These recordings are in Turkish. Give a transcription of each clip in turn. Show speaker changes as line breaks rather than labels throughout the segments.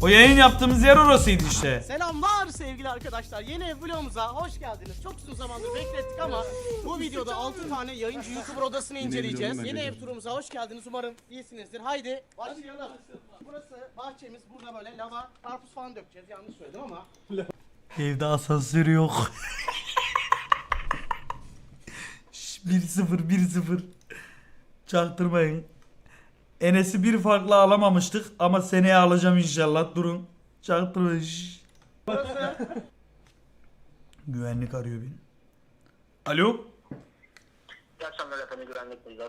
O yayın yaptığımız yer orasıydı işte.
Selamlar sevgili arkadaşlar. Yeni ev vlogumuza hoş geldiniz. Çok uzun zamandır beklettik ama bu videoda 6 tane yayıncı YouTuber odasını inceleyeceğiz. Yeni ev turumuza hoş geldiniz. Umarım iyisinizdir. Haydi başlayalım. Burası bahçemiz. Burada böyle lava, karpuz falan dökeceğiz. Yanlış söyledim ama.
Evde asansör yok. 1-0 çaktırmayın. Enes'i bir farklı alamamıştık ama seneye alacağım inşallah. Durun. Çaktırmayın.
Burası
Güvenlik arıyor beni. Alo.
İyi akşamlar efendim, güvenlik buyurun.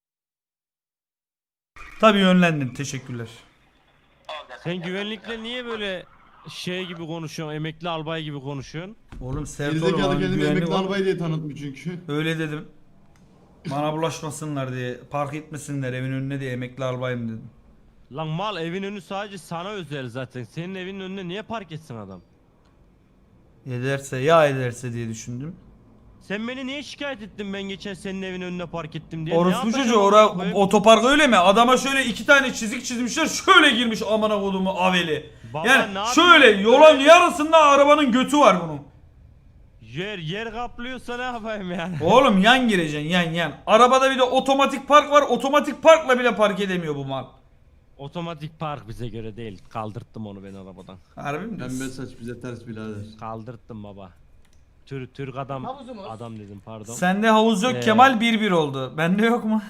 Tabii yönlendim. Teşekkürler.
Sen güvenlikle niye böyle şey gibi konuşuyorsun, emekli albay gibi konuşuyorsun?
Oğlum sert olma.
Gerizekalı
abi,
kendini
güvenlik
emekli
var.
albay diye tanıtmış çünkü.
Öyle dedim. Bana bulaşmasınlar diye. Park etmesinler evin önüne diye emekli albayım dedim.
Lan mal, evin önü sadece sana özel zaten. Senin evinin önüne niye park etsin adam?
Ederse ya ederse diye düşündüm.
Sen beni niye şikayet ettin ben geçen senin evin önüne park ettim diye?
Orospu
Ne yapacağım
çocuğu
amına koyayım?
otopark öyle mi? Adama şöyle 2 tane çizik çizmişler, şöyle girmiş amına kodumu aveli.
Baba,
Yani
ne
şöyle
yapayım?
yolun yarısında arabanın götü var bunun.
Yer kaplıyorsa ne yapayım yani?
Oğlum yan gireceksin yan. Arabada bir de otomatik park var. Otomatik parkla bile park edemiyor bu mal.
Otomatik park bize göre değil. Kaldırttım onu ben arabadan.
Harbi mi?
Pembe saç bize ters birader.
Kaldırttım baba. Türk adam.
Havuzumuz.
Adam dedim pardon.
Sende havuz yok Kemal 1-1 oldu. Bende yok mu?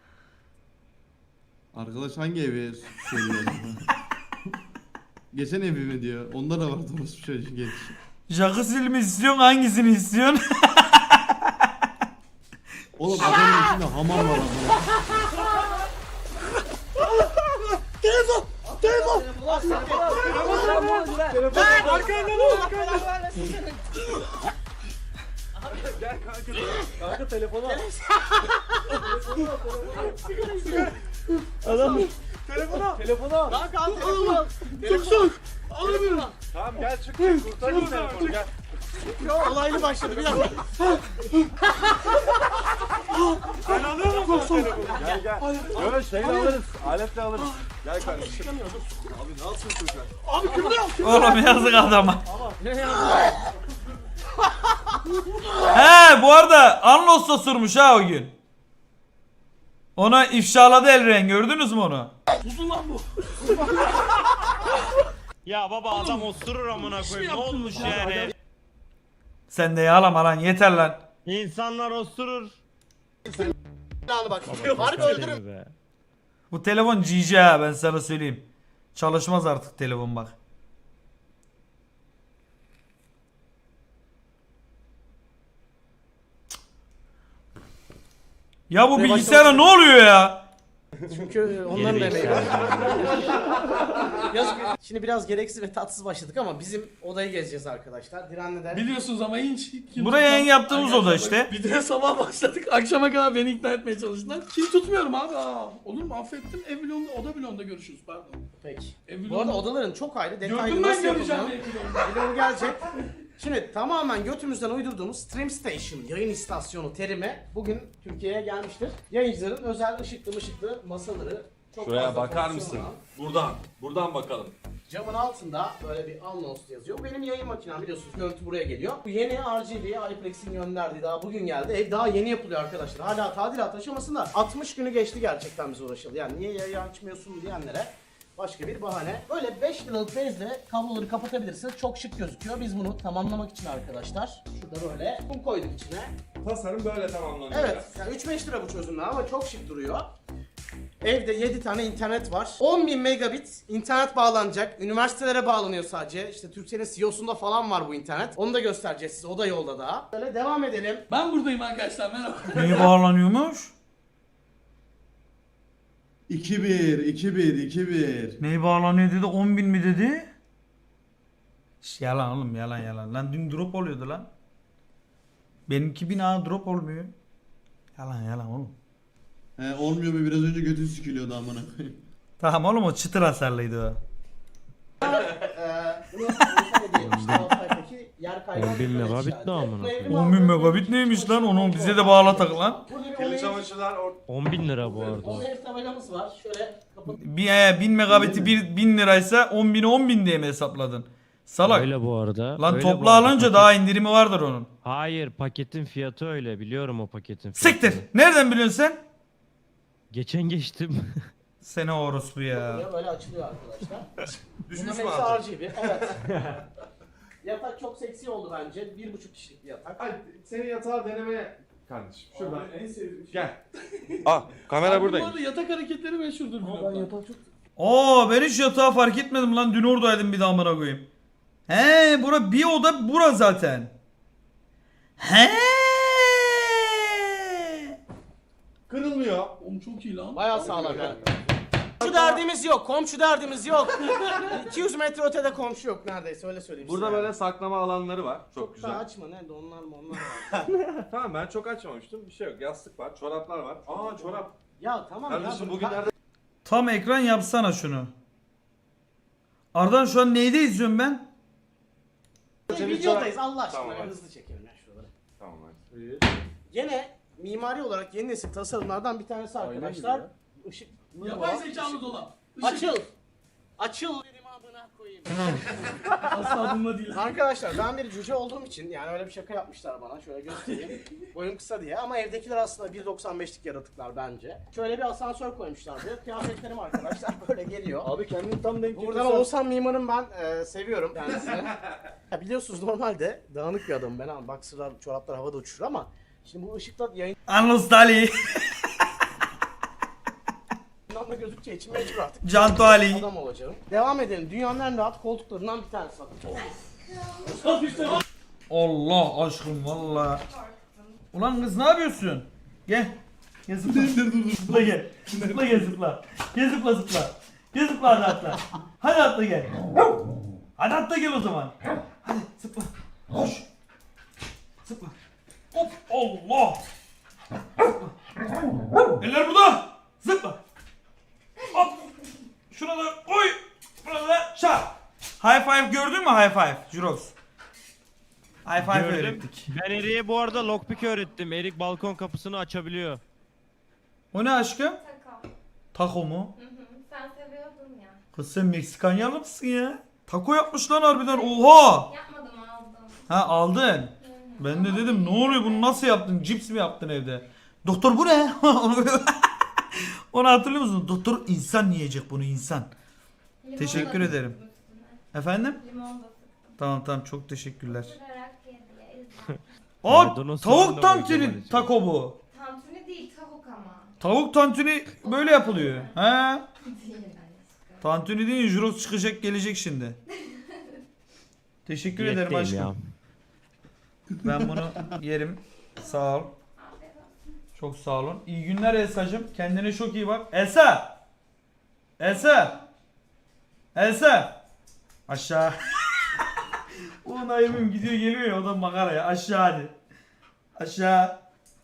Arkadaş hangi evi söylüyor acaba? Geçen evi mi diyor. Onda da var orası çocuğu geç.
Jacuzzi mi istiyorsun, hangisini istiyorsun?
Oğlum adamın içinde hamam var ama.
Kanka al telefonu. Çok soğuk. Alamıyorum.
Tamam gel çık kurtarayım telefonu gel.
Olaylı başladı bir dakika.
Sen alıyor musun telefonu? Gel gel. Böyle şeyle alırız. Aletle alırız. Gel kardeşim. Abi ne yapsın çocuğa?
Abi kıvırıyor.
Oğlum yazık adama. He bu arada Anlos'ta sürmüş ha o gün. Ona ifşaladı Elren, gördünüz mü onu?
Ya baba adam osurur amına koyayım. Ne olmuş yani?
Sen de yağlama lan, yeter lan.
İnsanlar osurur.
Bak. Harbi öldürürüm.
Be.
Bu telefon GG ha, ben sana söyleyeyim. Çalışmaz artık telefon bak. Ya bu bilgisayara ne oluyor ya?
Çünkü onların
Geri
emeği
bir
var.
şey.
Yazık. Şimdi biraz gereksiz ve tatsız başladık ama bizim odayı gezeceğiz arkadaşlar. Direnli'den.
Biliyorsunuz ama hiç kim
Buraya yayın yaptığımız oda işte.
Videoya sabah başladık. Akşama kadar beni ikna etmeye çalıştılar. Kim tutmuyorum abi. Olur mu? Affettim. Ev vlogunda, oda vlogunda görüşürüz. Pardon.
Peki.
Ev
Bu arada
vlogunda-
odaların çok ayrı detaylı
Gördüm ben
nasıl
göreceğim
yapıldığını
ev vlogunda.
videomu gelecek. Şimdi tamamen götümüzden uydurduğumuz Stream Station yayın istasyonu terimi bugün Türkiye'ye gelmiştir. Yayıncıların özel ışıklı masaları. Çok
Şuraya
fazla
bakar
fonksiyonu
mısın?
olan.
Buradan bakalım.
Camın altında böyle bir anons yazıyor. Bu benim yayın makinem, biliyorsunuz görüntü buraya geliyor. Bu yeni RGB iPlex'in gönderdiği, daha bugün geldi. Ev daha yeni yapılıyor arkadaşlar. Hala tadilat aşamasında. 60 günü geçti gerçekten bize uğraşıldı. Yani niye yayın açmıyorsun diyenlere başka bir bahane. Böyle 5 liralık bezle kabloları kapatabilirsiniz. Çok şık gözüküyor. Biz bunu tamamlamak için arkadaşlar şurada böyle kum koyduk içine.
Tasarım böyle tamamlanıyor.
Evet, yani 3-5 lira bu çözümler ama çok şık duruyor. Evde 7 tane internet var. 10.000 megabit internet bağlanacak. Üniversitelere bağlanıyor sadece. İşte Türkcell'in CEO'sunda falan var bu internet. Onu da göstereceğiz size. O da yolda daha. Böyle devam edelim.
Ben buradayım arkadaşlar. Merhaba.
Neye bağlanıyormuş?
2-1.
Neye bağlanıyor dedi, 10.000 mi dedi? Yalan oğlum, yalan. Lan dün drop oluyordu lan. Benimki bina drop olmuyor. Yalan oğlum.
Olmuyor mu, biraz önce götü sikiliyordu amına koyayım.
Tamam oğlum, o çıtır hasarlıydı o.
Bunu işte alt taraftaki yer kaygan
10.000
bir
megabit
işareti.
ne amına
Bu evrim
koyayım?
10.000 megabit neymiş lan? Onu bize de bağlatak lan.
Burada bir
Kirli
onu
çamaşırlar
10.000 lira bu arada.
Onun ev tabelamız var. Şöyle kapatıp
1000 megabiti 1000 liraysa 10.000'i 10.000 diye mi hesapladın? Salak.
Öyle bu arada.
Lan
öyle bu
toplu
arada.
alınca
Paket-
daha indirimi vardır onun.
Hayır paketin fiyatı öyle biliyorum o paketin fiyatını.
Siktir. Nereden biliyorsun sen?
Geçen geçtim.
Seni orospu ya.
buraya böyle açılıyor arkadaşlar.
düşmüş
Bunların
mü
hepsi
artık?
RGB. Evet. Yatak çok seksi oldu bence. 1,5 kişilik bir yatak.
Hadi senin yatağı denemeye kardeşim. Şuradan.
En sevdiğim şey.
Gel. Aa kamera
Abi bu
buradaymış.
arada yatak hareketleri meşhurdur vlogda.
Oo ben hiç yatağı fark etmedim lan. Dün oradaydım bir daha amına koyayım. He bura bir oda bura zaten. He.
Kırılmıyor.
Oğlum çok iyi lan.
Bayağı sağlam yani. Komşu derdimiz yok. Komşu derdimiz yok. 200 metre ötede komşu yok neredeyse öyle söyleyeyim
Burada
size.
böyle saklama alanları var. Çok
Çok
güzel.
da açma ne de onlar mı onlar var.
Tamam ben çok açmamıştım. Bir şey yok. Yastık var, çoraplar var. Aa çorap.
Ya tamam ya.
Kardeşim
dur,
bugünlerde
Tam ekran yapsana şunu. Ardan şu an neyde izliyorum ben?
videodayız Allah aşkına
Tamam, hadi.
hızlı çekelim ya şuraları.
Tamam hadi.
Gene mimari olarak yeni nesil tasarımlardan bir tanesi arkadaşlar. Işık.
Yapay zekalı dolap.
Açıl. Açıl dedim amına koyayım.
Asla bununla değil.
Arkadaşlar ben bir cüce olduğum için yani öyle bir şaka yapmışlar bana şöyle göstereyim. Boyum kısa diye ama evdekiler aslında 1.95'lik yaratıklar bence. Şöyle bir asansör koymuşlar buraya. Kıyafetlerim arkadaşlar böyle geliyor.
Abi kendini tam denk
Buradan Oğuzhan Mimar'ın ben seviyorum kendisini. Ya biliyorsunuz normalde dağınık bir adamım ben ama boxer'lar, çoraplar havada uçuşur ama şimdi bu ışıkla
Anlostali.
yayından da gözükeceği için mecbur artık
Canto Ali.
adam olacağım. Devam edelim. Dünyanın en rahat koltuklarından bir tanesi bakın.
Allah aşkım valla. Ulan kız ne yapıyorsun? Gel. Gel zıpla. Zıpla gel. Zıpla gel zıpla. Gel zıpla zıpla. Gel zıpla hadi atla. Hadi atla gel. Hadi atla gel o zaman. Hadi zıpla. Koş. Zıpla. Hop Allah. Zıpla. Eller burada. Zıpla. Hop. Şuna da oy. Buna da çak. High five gördün mü high five? Jurox. High five
Gördüm.
öğrettik.
Ben Erik'e bu arada lockpick öğrettim. Erik balkon kapısını açabiliyor.
O ne aşkım?
Taco.
Taco mu?
Hı hı. Sen seviyordun ya.
Kız sen Meksikanyalı mısın ya? Taco yapmış lan harbiden oha!
Yapmadım aldım.
Ha aldın.
Hı hı.
Ben de dedim ne oluyor bunu nasıl yaptın? Cips mi yaptın evde? Doktor bu ne? Onu hatırlıyor musun? Doktor insan yiyecek bunu insan.
Limon
Teşekkür
da
ederim.
sıktım üstüne.
Efendim?
Limon da sıktım.
Tamam çok teşekkürler.
Isırarak ye diye. izle.
Aa
Maydanoz soğan da
tavuk
var
tantuni
Kemal için.
taco bu.
Tantuni değil tavuk ama.
Tavuk tantuni böyle yapılıyor. He?
Değil aşkım.
Tantuni değil Jurox çıkacak gelecek şimdi. Teşekkür ederim
Diyetteyim
aşkım. Ben bunu yerim. Sağ ol.
Afiyet olsun.
Çok sağ olun. İyi günler Elsa'cığım. Kendine çok iyi bak. Elsa! Elsa! Elsa! Aşağı. Ulan ayımım gidiyor geliyor ya o da makara ya. Aşağı hadi. Aşağı.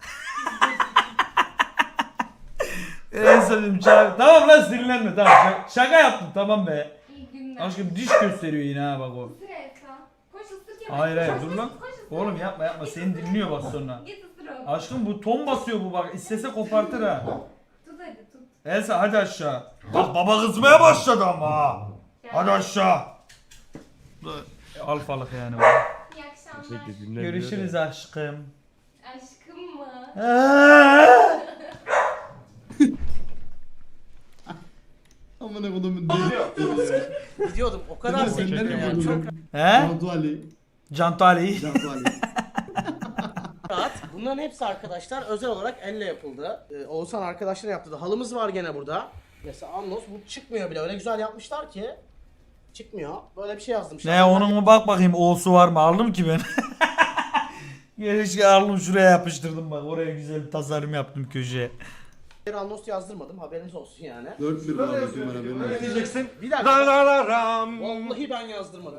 Elsa'cığım çağır. Tamam lan sinirlenme tamam. Şaka yaptım tamam be.
İyi günler.
Aşkım diş gösteriyor yine ha bak o.
Isır Elsa. Koş ısır Kemal.
Hayır hayır
Koş,
dur
koş,
lan.
koş, ısır.
Oğlum yapma seni dinliyor bak sonra.
Git ısır onu.
Aşkım bu ton basıyor bu bak. İstese kopartır ha.
Tut hadi tut.
Elsa hadi aşağı. Bak baba kızmaya başladı ama ha.
Gel.
Hadi aşağı. Alfalık yani bu.
İyi akşamlar.
Sürekli dinlemiyor
Görüşürüz
ya.
aşkım.
Aşkım mı?
Amına kodumun deli.
Gidiyordum o kadar
Sen
seviyorum
nereye
yani. Çok
buldun?
He?
Cantu Ali.
Canto Ali.
Cantu Ali.
rahat. Bunların hepsi arkadaşlar özel olarak elle yapıldı. Oğuzhan arkadaşlar yaptı. Halımız var gene burada. Mesela Anlos bu çıkmıyor bile. Öyle güzel yapmışlar ki. Çıkmıyor. Böyle bir şey yazdım.
Ne onun mu bak bakayım O'su var mı aldım ki ben. Gerçi aldım şuraya yapıştırdım bak oraya güzel bir tasarım yaptım köşeye.
Anlos yazdırmadım haberiniz olsun yani.
4-1 var bakayım bana benim.
Ne diyeceksin?
Bir dakika.
La la la ram.
Vallahi ben yazdırmadım.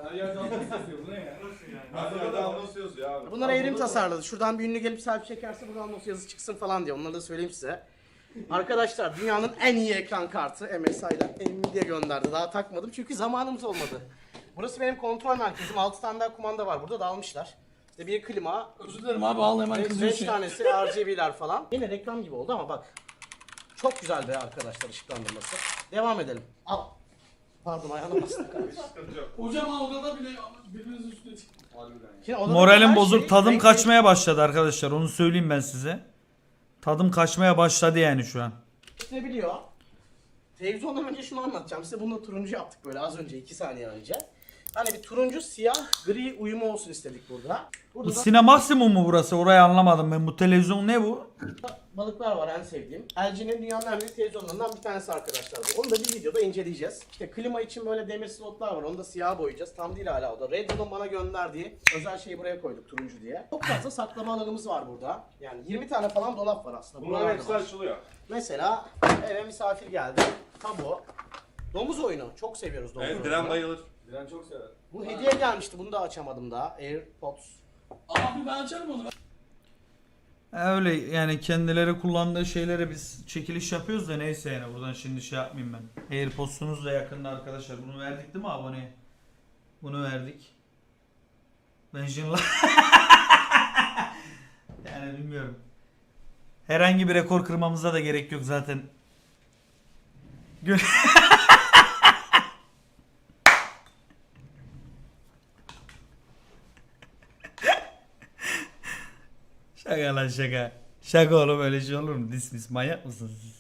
Hadi Anlos yazıyor abi.
Bunlar evrim tasarladı. Şuradan bir ünlü gelip selfie çekerse buradan Anlos yazı çıksın falan diye. Onları da söyleyeyim size. Arkadaşlar dünyanın en iyi ekran kartı MSI'den Nvidia gönderdi. Daha takmadım çünkü zamanımız olmadı. Burası benim kontrol merkezim. 6 tane daha kumanda var. Burada dağılmışlar. İşte bir klima,
Özür dilerim abi al hemen
5
kızıyorsun.
tanesi RGB'ler falan. Yine reklam gibi oldu ama bak. Çok güzel be arkadaşlar ışıklandırması. Devam edelim. Al. Pardon ayağına bastım kardeşim.
Hocam ha odada bile birbirinizin üstüne çıktı.
Şimdi odada
Moralim
her
bozuk.
şey
Tadım
renkli.
kaçmaya başladı arkadaşlar. Onu söyleyeyim ben size. Tadım kaçmaya başladı yani şu an.
Biliyor. Televizyondan önce şunu anlatacağım. Size bunu da turuncu yaptık böyle az önce 2 saniye önce. Hani bir turuncu, siyah, gri uyumu olsun istedik burada.
Bu
Burada da
Sine Maksimum mu burası? Orayı anlamadım ben. Bu televizyon ne bu?
balıklar var en sevdiğim. LG'nin dünyanın en büyük televizyonlarından bir tanesi arkadaşlar bu. Onu da bir videoda inceleyeceğiz. İşte klima için böyle demir slotlar var. Onu da siyah boyayacağız. Tam değil hala o da. Red Bull'un bana gönderdiği özel şeyi buraya koyduk turuncu diye. Çok fazla saklama alanımız var burada. Yani 20 tane falan dolap var aslında.
Bunların
Buralarda
hepsi
var.
açılıyor.
Mesela eve misafir geldi. Tabu. Domuz oyunu. Çok seviyoruz domuz
Evet,
oyunu.
Diren bayılır. Diren çok sever.
Bu hediye gelmişti. Bunu da açamadım daha. AirPods.
Abi ben açarım onu.
Öyle yani kendileri kullandığı şeylere biz çekiliş yapıyoruz da neyse yani buradan şimdi şey yapmayayım ben. AirPods'unuz da yakında arkadaşlar. Bunu verdik değil mi aboneye? Bunu verdik. Ben şimdi yani bilmiyorum. Herhangi bir rekor kırmamıza da gerek yok zaten. Şaka lan şaka. Şaka oğlum öyle şey olur mu? Dismiss manyak mısınız siz?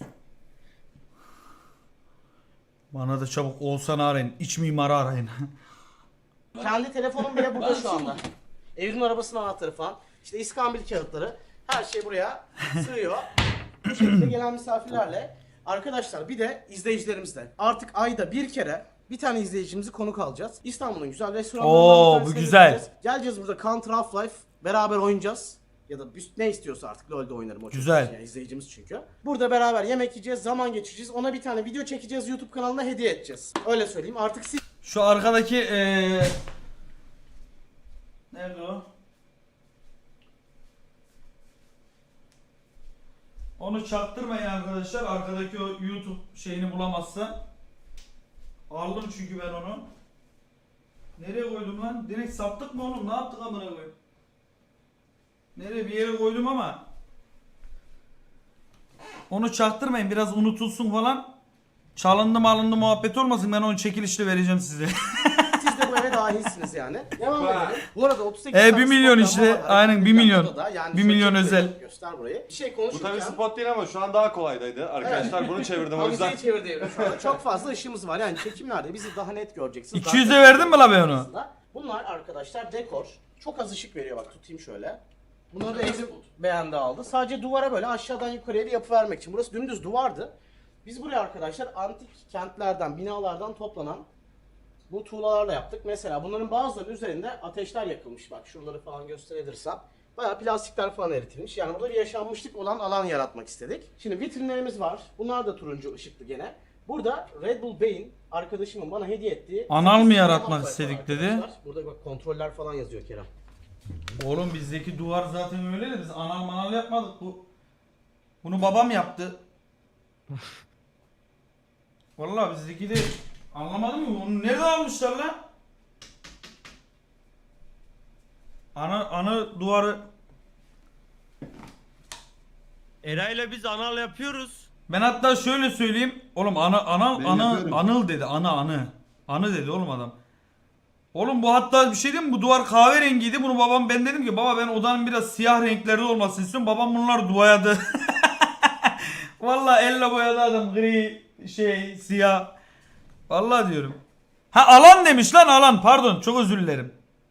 Bana da çabuk Oğuzhan'ı arayın. İç mimarı arayın.
Kendi telefonum bile burada şu anda. Evin arabasının anahtarı falan. İşte iskambil kağıtları. Her şey buraya sığıyor. Bu şekilde gelen misafirlerle. Arkadaşlar bir de izleyicilerimizle. Artık ayda bir kere bir tane izleyicimizi konuk alacağız. İstanbul'un güzel restoranlarından
Oo,
bir tanesine
bu güzel.
gideceğiz. Geleceğiz burada Counter Half-Life beraber oynayacağız. Ya da ne istiyorsa artık LoL'de oynarım o
Güzel.
çocuk. Yani izleyicimiz çünkü. Burada beraber yemek yiyeceğiz, zaman geçireceğiz. Ona bir tane video çekeceğiz, YouTube kanalına hediye edeceğiz. Öyle söyleyeyim. Artık siz
Şu arkadaki nerede o? Onu çaktırmayın arkadaşlar. Arkadaki o YouTube şeyini bulamazsa. Aldım çünkü ben onu. Nereye koydum lan? Direkt sattık mı oğlum? Ne yaptık amına koyayım? Nereye bir yere koydum ama. Onu çaktırmayın. Biraz unutulsun falan. Çalındı malındı muhabbet olmasın. Ben onu çekilişle vereceğim size.
Siz de bu eve dahilsiniz yani. Devam edelim. Bu arada 38
1
tane
milyon
spot
işte.
var.
Aynen 1 milyon.
Burada da yani
1
şöyle
milyon
çek
özel.
burayı, Göster burayı. Bir şey
Bu
konuşurken.
tabii spot değil ama şu an daha kolaydaydı. Arkadaşlar bunu çevirdim o yüzden.
Avizeyi çevirdi. Şu anda çok fazla ışığımız var. Yani çekimlerde bizi daha net göreceksiniz.
200'e
Daha
verdin mi la be onu?
aslında. Bunlar arkadaşlar dekor. Çok az ışık veriyor bak tutayım şöyle. Bunları da Evrim beğendi aldı. Sadece duvara böyle aşağıdan yukarıya bir yapı vermek için. Burası dümdüz duvardı. Biz buraya arkadaşlar antik kentlerden, binalardan toplanan bu tuğlalarla yaptık. Mesela bunların bazılarının üzerinde ateşler yakılmış. Bak şuraları falan gösterebilirsem. Bayağı plastikler falan eritilmiş. Yani burada bir yaşanmışlık olan alan yaratmak istedik. Şimdi vitrinlerimiz var. Bunlar da turuncu ışıklı gene. Burada Red Bull Bey'in arkadaşımın bana hediye ettiği...
Anal mı
8
yaratmak
var
istedik dedi?
arkadaşlar. Burada bak kontroller falan yazıyor Kerem.
Oğlum bizdeki duvar zaten öyle de biz anal manal yapmadık. Bunu babam yaptı. Vallahi bizdeki de anlamadım mı? Bunu nerede almışlar lan? Ana duvarı
Eray'la biz anal yapıyoruz.
ben hatta şöyle söyleyeyim. Oğlum
Ben yapıyorum.
anıl dedi. Anı dedi oğlum adam. Oğlum bu hatta bir şey diyeyim mi? Bu duvar kahverengiydi. Bunu babam ben dedim ki baba ben odanın biraz siyah renklerde olmasını istiyorum. Babam bunları boyadı. Vallahi elle boyadı adam gri siyah. Vallahi diyorum. Ha alan demiş lan alan. Pardon çok özür dilerim.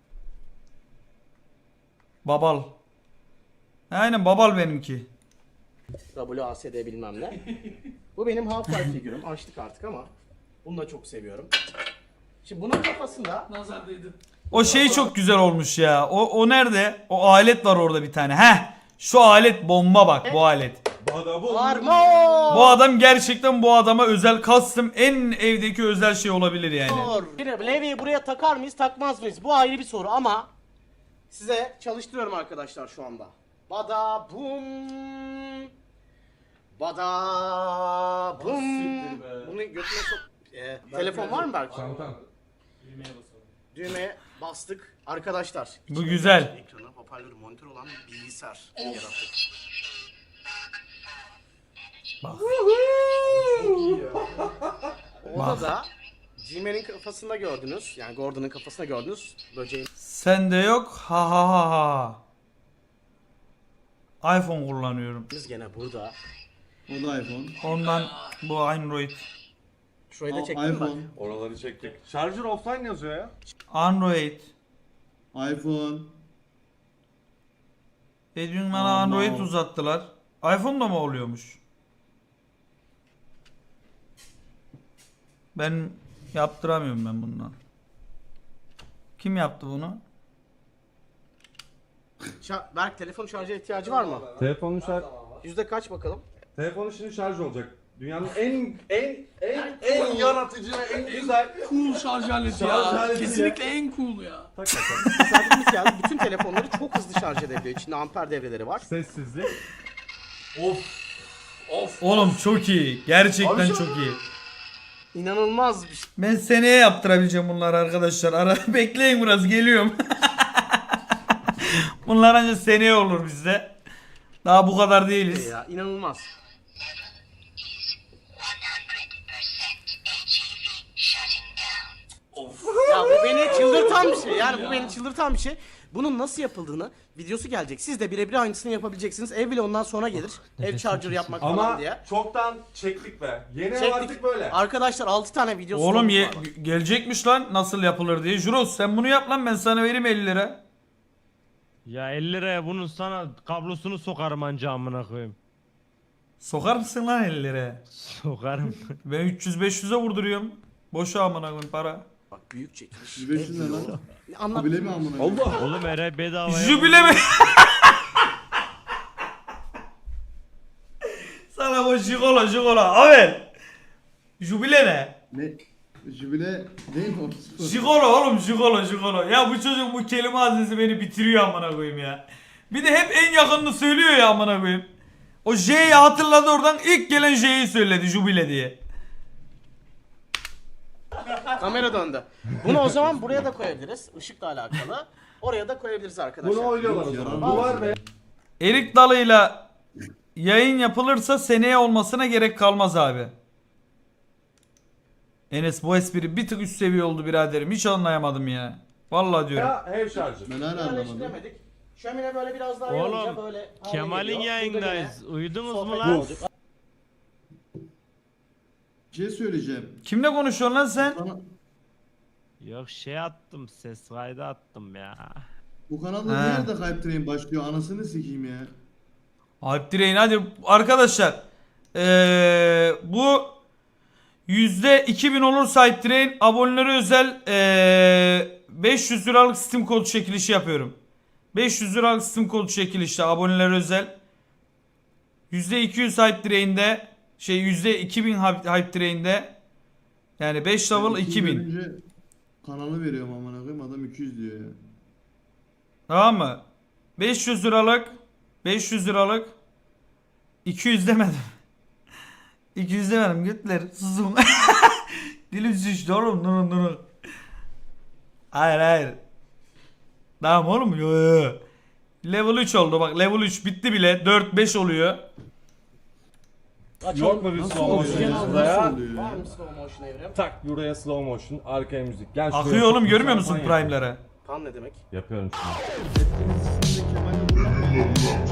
Babal. Aynen babal benimki.
WASD bilmem ne. Bu benim Half-Life figürüm. Açtık artık ama bunu da çok seviyorum. Şimdi bunun kafasında
Nazar değdi.
O şey çok güzel olmuş ya. O nerede? O alet var orada bir tane. Heh. Şu alet bomba bak bu alet.
armor.
Bu adam gerçekten bu adama özel custom en evdeki özel şey olabilir yani.
Şimdi levyeyi buraya takar mıyız takmaz mıyız? Bu ayrı bir soru ama size çalıştırıyorum arkadaşlar şu anda. Bada bum. Bada bum. Bunu götüne sok. Telefon var mı belki? Düğmeye bastık. Arkadaşlar.
Bu
içinde
güzel.
Ekranı, hoparlörü, monitör olan bir bilgisayar yarattık.
Bak.
Odada G-Man'in kafasında gördünüz. Yani Gordon'ın kafasında gördünüz. Böceğin
Sende yok. Ha ha ha ha. iPhone kullanıyorum.
biz gene burada.
O da iPhone.
Ondan bu Android.
Şurayı da çektim bak.
iPhone.
Oraları çektik. Şarjör offline yazıyor ya.
Android.
iPhone.
Dün bana
Aman.
Android uzattılar. iPhone da mı oluyormuş? Ben yaptıramıyorum ben bundan. Kim yaptı bunu?
Berk telefon şarja ihtiyacı var mı?
Telefonun
Yüzde kaç bakalım?
Telefonun şimdi şarj olacak. Dünyanın en yaratıcı ve en güzel
Cool şarj aleti
Şarj
ya.
aleti
Kesinlikle en cool ya.
Servis geldi. Bütün telefonları çok hızlı şarj edebiliyor. İçinde amper devreleri var.
sessizlik.
Oğlum çok iyi. Gerçekten çok iyi.
İnanılmaz bir şey.
Ben seneye yaptırabileceğim bunları arkadaşlar. Ara bekleyin biraz geliyorum. Bunlar ancak seneye olur bizde. Daha bu kadar değiliz.
Ya inanılmaz. Ya bu beni çıldırtan bir şey. Yani bu beni çıldırtan bir şey. Bunun nasıl yapıldığını videosu gelecek. Siz de birebir aynısını yapabileceksiniz. Ev bile ondan sonra gelir. Ev charger yapmak falan
Ama
diye.
çoktan çektik be. Yeni ev
Çektik.
artık böyle.
Arkadaşlar 6 tane videosu
Oğlum
var.
gelecekmiş lan nasıl yapılır diye. Juros sen bunu yap lan ben sana vereyim 50 lira.
Ya 50 liraya bunun sana kablosunu sokarım anca amına koyayım.
Sokar mısın lan 50 liraya?
Sokarım.
Ben 300-500'e vurduruyorum. Boşa amına koyayım para.
Bak büyük çekiliş.
105 ne lan?
Anlat.
Kabile mi amına? Allah.
Oğlum ere bedavaya.
Jübile mi? Sana bu jikola. Abi. Jübile ne?
Ne? Jübile değil mi o?
Jigolo oğlum jigolo. Ya bu çocuk bu kelime hazinesi beni bitiriyor amına koyayım ya. Bir de hep en yakınını söylüyor ya amına koyayım. O J'yi hatırladı oradan ilk gelen J'yi söyledi jubile diye.
Kamera döndü. Bunu o zaman buraya da koyabiliriz. Işıkla alakalı. Oraya da koyabiliriz arkadaşlar.
Bunu oynuyorlar o zaman. Bu var be.
Erik dalıyla yayın yapılırsa seneye olmasına gerek kalmaz abi. Enes bu espri bir tık üst seviye oldu biraderim. Hiç anlayamadım ya. Vallahi diyorum.
Ya ev şarjı.
Ben hala anlamadım.
Yerleştiremedik. Şömine böyle biraz daha yanınca
Oğlum
böyle hale
Kemal'in
geliyor. Burada
yayındayız.
gene
Uyudunuz mu
sohbet
lan?
olacak.
Bir şey söyleyeceğim.
Kimle konuşuyorsun lan sen?
Sana,
Yok şey attım ses kaydı attım ya.
bu kanalda
He.
nerede Hype Train başlıyor? Anasını sikeyim ya.
Alp Direğin hadi arkadaşlar. Bu %2000 olursa Alp Direğin abonelere özel 500 liralık Steam kodu çekilişi yapıyorum. 500 liralık Steam kodu çekilişi abonelere özel. %200 Alp Direğin'de %2000 Hype Train'de yani 5 level
Ben
2000.
önce kanalı veriyorum amına koyayım adam 200 diyor ya.
Tamam mı? 500 liralık 200 demedim. 200 demedim götler susun. Dilim şişti oğlum durun. Hayır. Tamam oğlum yo. Level 3 oldu bak level 3 bitti bile 4-5 oluyor.
Yok mu bir
Nasıl
slow
oluyor
motion
ya?
burada ya?
Nasıl oluyor
Var
ya?
mı slow motion evrim?
Tak buraya slow motion, arkaya müzik. Gel şuraya
Akıyor oğlum
çok
görmüyor
güzel
musun
fan
prime'ları?
Kan ne demek?
Yapıyorum şimdi.
Şimdi Kemal'le kullanmıyor.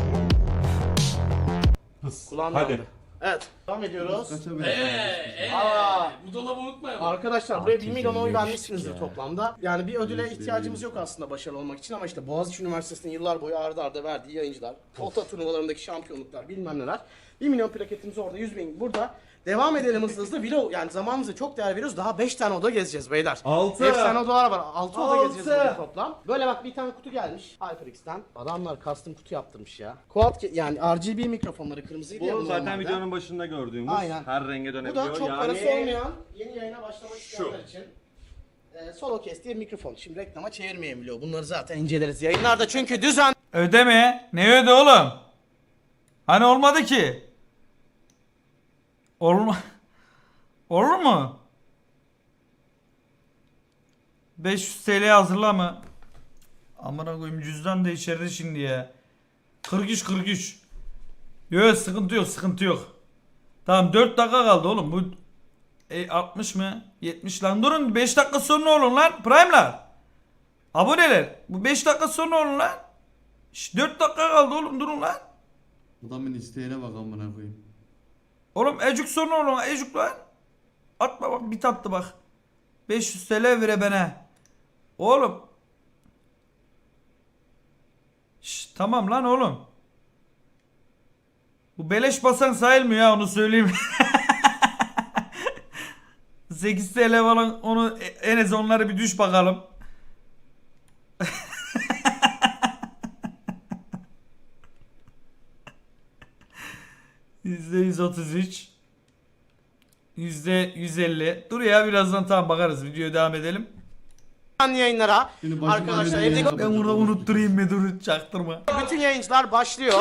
Kulağın
Hadi.
yandı. Evet. Devam ediyoruz.
Kaça böyle?
Bu dolabı unutmayalım.
Arkadaşlar buraya 1 milyon oy vermişsinizdir toplamda. Yani bir ödüle ihtiyacımız yok aslında başarılı olmak için ama işte Boğaziçi Üniversitesi'nin yıllar boyu arda arda verdiği yayıncılar, Volta turnuvalarındaki şampiyonluklar bilmem neler. 1 milyon plaketimiz orada, 100 bin burada. Devam edelim hızlı. Vlog yani zamanımıza çok değer veriyoruz. Daha 5 tane oda gezeceğiz beyler.
6.
Efsane odalar var. 6 oda
Altı.
gezeceğiz bugün toplam. Böyle bak bir tane kutu gelmiş HyperX'ten. Adamlar custom kutu yaptırmış ya. Yani RGB mikrofonları kırmızıydı ya
Bu zaten
normalde.
videonun başında gördüğümüz
Aynen.
her renge
Bu
dönebiliyor.
da çok
yani...
parası olmayan yeni yayına başlamak isteyenler için Solo Kes diye mikrofon. Şimdi reklama çevirmeyin biliyor. Bunları zaten inceleriz yayınlarda çünkü düzen.
Ödeme. Ne öde oğlum? Hani olmadı ki? Olur mu? 500 TL hazırla mı? Amına koyayım cüzdan da içeride şimdi ya. 43. Yok sıkıntı yok sıkıntı yok. Tamam 4 dakika kaldı oğlum bu 60 mı? 70 lan durun 5 dakika sonra olun lan Prime'lar. Aboneler bu 5 dakika sonra olun lan. 4 dakika kaldı oğlum durun lan.
Adamın isteğine bak amına koyayım.
Oğlum ecuk sonra olun ecuk lan. Atma bak bit attı bak. 500 TL vere bana. Oğlum. Tamam lan oğlum. Bu beleş basan sayılmıyor ya onu söyleyeyim. 8 TL falan onu en az onları bir düş bakalım. %133 %150 dur ya birazdan tamam bakarız videoya devam edelim.
Canlı yayınlara
Şimdi başıma
arkadaşlar
öyle
evde
yayın
Ben burada unutturayım mı dur çaktırma.
bütün yayıncılar başlıyor.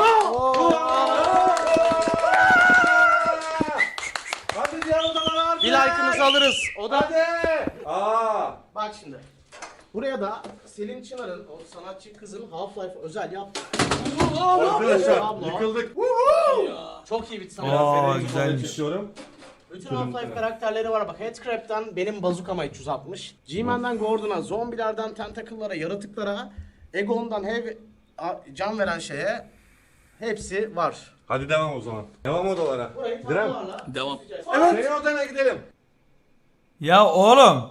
Hadi diğer odalara hadi.
Bir like'ınızı alırız. O da
Aa.
bak şimdi. Buraya da Selin Çınar'ın o sanatçı kızın Half-Life özel yaptığı.
Arkadaşlar
Abla.
yıkıldık.
Çok iyi bir sanat.
Aa
Seni
güzelmiş.
istiyorum.
Bütün Half-Life karakterleri var bak. Headcrab'den benim bazukama 360. G-Man'dan Gordon'a, zombilerden tentacle'lara, yaratıklara, Egon'dan can veren şeye hepsi var.
Hadi devam o zaman. Devam odalara.
Burayı
Direm.
tablolarla
Devam.
Senin odana gidelim.
Ya oğlum.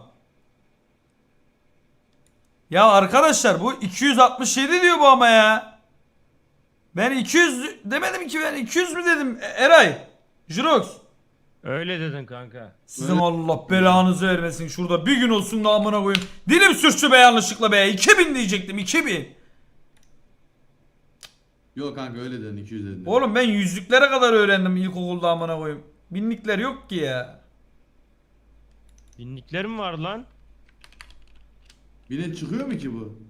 Ya arkadaşlar bu 267 diyor bu ama ya. Ben 200 demedim ki ben 200 mü dedim Eray. Jirox.
Öyle dedin kanka.
Sizin Allah belanızı vermesin. Şurada bir gün olsun da amına koyayım. Dilim sürçtü be yanlışlıkla be. 2000 diyecektim 2000.
Yok kanka öyle dedin 200 dedin.
Oğlum ben yüzlüklere kadar öğrendim ilkokulda amına koyayım. Binlikler yok ki ya.
Binlikler mi var lan?
Bine çıkıyor mu ki bu?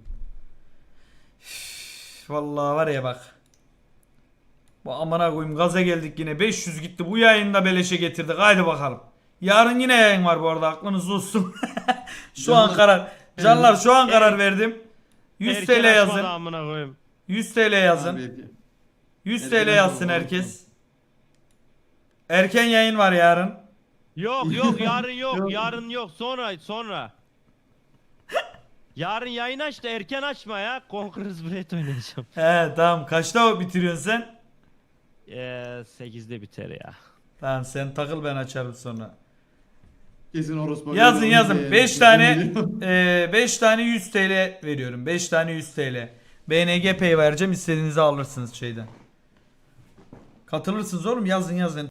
Vallahi var ya bak. Bu amına koyayım gaza geldik yine 500 gitti bu yayında beleşe getirdik haydi bakalım. Yarın yine yayın var bu arada aklınız olsun. Şu an karar. Canlar şu an karar verdim. 100
Erken
TL
açmadı
yazın.
amına koyayım.
100 TL yazın.
Abi,
100
erken
TL yazsın
açmadı,
herkes. Erken yayın var yarın.
Yok yarın yok yarın yok sonra. Yarın yayın aç da erken açma ya. Conqueror's Blade oynayacağım.
He tamam kaçta bitiriyorsun sen?
8'de biter ya.
Tamam sen takıl ben açarım sonra.
Kesin orospu.
Yazın 5 tane 5 tane 100 TL veriyorum. 5 tane 100 TL. BNG Pay vereceğim istediğinizi alırsınız şeyden. Katılırsınız oğlum yazın.